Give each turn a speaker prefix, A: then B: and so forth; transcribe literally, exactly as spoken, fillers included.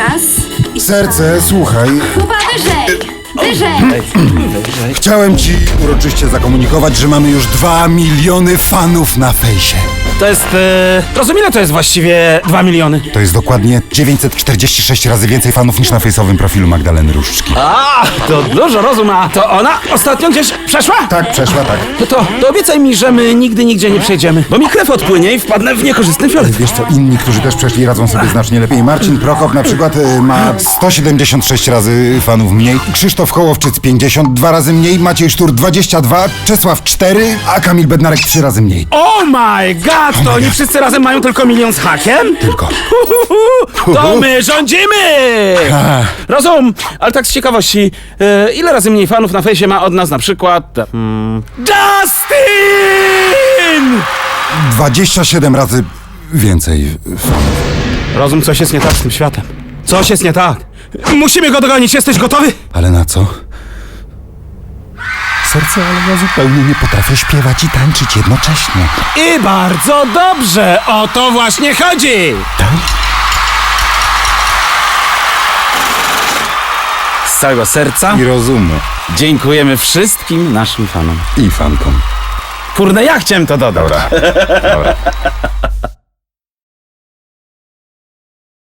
A: raz i
B: Serce, słuchaj,
A: Kuba, wyżej! Wyżej!
B: chciałem ci uroczyście zakomunikować, że mamy już dwa miliony fanów na fejsie.
C: To jest... E, rozumiem, ile to jest właściwie dwa miliony?
B: To jest dokładnie dziewięćset czterdzieści sześć razy więcej fanów niż na fejsowym profilu Magdaleny Różczki.
C: A, to dużo rozum, a to ona ostatnio gdzieś przeszła?
B: Tak, przeszła, tak.
C: No to, to obiecaj mi, że my nigdy nigdzie nie przejdziemy, bo mi krew odpłynie i wpadnę w niekorzystny fiolet.
B: Wiesz co, inni, którzy też przeszli, radzą sobie znacznie lepiej. Marcin Prokop na przykład y, ma sto siedemdziesiąt sześć razy fanów mniej, Krzysztof Kołowczyc pięćdziesiąt dwa razy mniej, Maciej Sztur dwadzieścia dwa, Czesław cztery, a Kamil Bednarek trzy razy mniej.
C: Oh my god, to oni wszyscy razem mają tylko milion z hakiem?
B: Tylko.
C: To my rządzimy! Rozum, ale tak z ciekawości, e, ile razy mniej fanów na fejsie ma od nas na przykład... Hmm, Justin!
B: dwadzieścia siedem razy więcej fanów.
C: Rozum, coś jest nie tak z tym światem. Coś jest nie tak. Musimy go dogonić, jesteś gotowy?
B: Ale na co? Serce, ale ja zupełnie nie potrafię śpiewać i tańczyć jednocześnie.
C: I bardzo dobrze, o to właśnie chodzi!
B: Tak?
C: Z całego serca
B: I rozumu.
C: dziękujemy wszystkim naszym fanom.
B: I fankom.
C: Kurde, ja chciałem to dodać.
B: Dobra. Dobra.